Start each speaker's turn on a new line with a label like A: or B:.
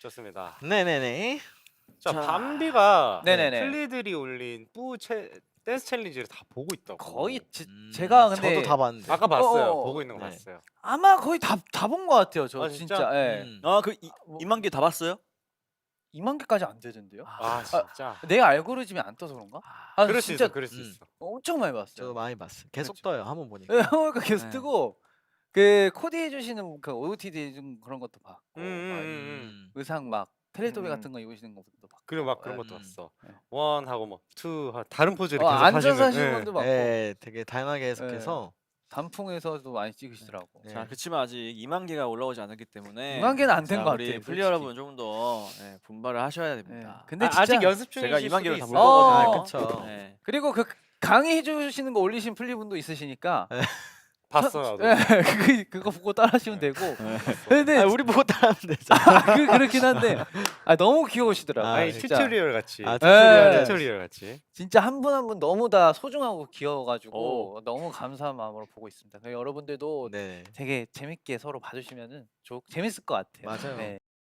A: 좋습니다.
B: 네네네.
A: 자,
C: 자.
A: 밤비가
D: 네네네.
A: 플리들이 올린 댄스 챌린지를 다 보고 있다고.
D: 거의 제가 근데
B: 저도 다 봤는데.
A: 아까 봤어요.
D: 어,
A: 보고 있는 거
B: 네.
A: 봤어요.
D: 아마 거의 다 본 것 같아요. 저
A: 아,
D: 진짜.
A: 진짜?
D: 예.
C: 아그
D: 뭐-
C: 2만 개 다 봤어요?
D: 2만 개까지 안 되던데요?
A: 아, 진짜.
D: 내 알고리즘이 안 떠서 그런가? 아,
A: 그럴 수
D: 진짜
A: 있어. 그럴 수
B: 음.
A: 있어.
D: 엄청 많이 봤어요.
B: 저도 많이 봤어요. 계속
D: 그렇죠.
B: 떠요. 한번 보니까.
D: 예, 그러니까 계속
C: 네.
D: 뜨고 그 코디 해주시는 그 OOTD 해준 그런 것도 봤고
B: 음.
D: 의상 막 텔레토비
A: 음.
D: 같은 거 입으시는 것도 봤고
A: 그리고 막 그런
D: 예.
A: 것도 봤어.
D: 네.
A: 원하고 뭐 투 다른 포즈를 계속
D: 앉아서
A: 하시는.
D: 하시는
A: 예.
D: 분도 봤고
B: 네, 되게 다양하게 해석해서
D: 단풍에서도 많이 찍으시더라고.
B: 네.
C: 자 그렇지만 아직 2만 개가 올라오지 않았기 때문에
D: 2만 개는 안 된
C: 자,
D: 것
C: 우리
D: 같아요.
C: 플리 여러분 조금 더 분발을 하셔야
D: 예.
C: 됩니다.
D: 근데
A: 근데 아직
D: 진짜
A: 연습 중이실
C: 제가 2만 개로 다
A: 수도
C: 볼
A: 있어요.
D: 어,
C: 거거든요.
B: 그쵸.
C: 네.
D: 그리고 그 강의 해주시는 거 올리신 플리 분도 있으시니까
A: 봤어 나도.
D: 예, 그거 보고 따라하시면 되고. 근데
B: 아, 우리 보고 따라하면 되잖아.
D: 그렇긴 한데 너무 귀여우시더라고요.
B: 아,
A: 아니
D: 진짜.
A: 튜토리얼 같이.
B: 아,
D: 튜토리얼.
A: 튜토리얼 같이.
D: 진짜 한 분 한 분 너무 다 소중하고 귀여워가지고
C: 오.
D: 너무 감사한 마음으로 보고 있습니다. 그래서 여러분들도
B: 네.
D: 되게 재밌게 서로 봐주시면은 재밌을 것 같아요.
B: 맞아요.
D: 네.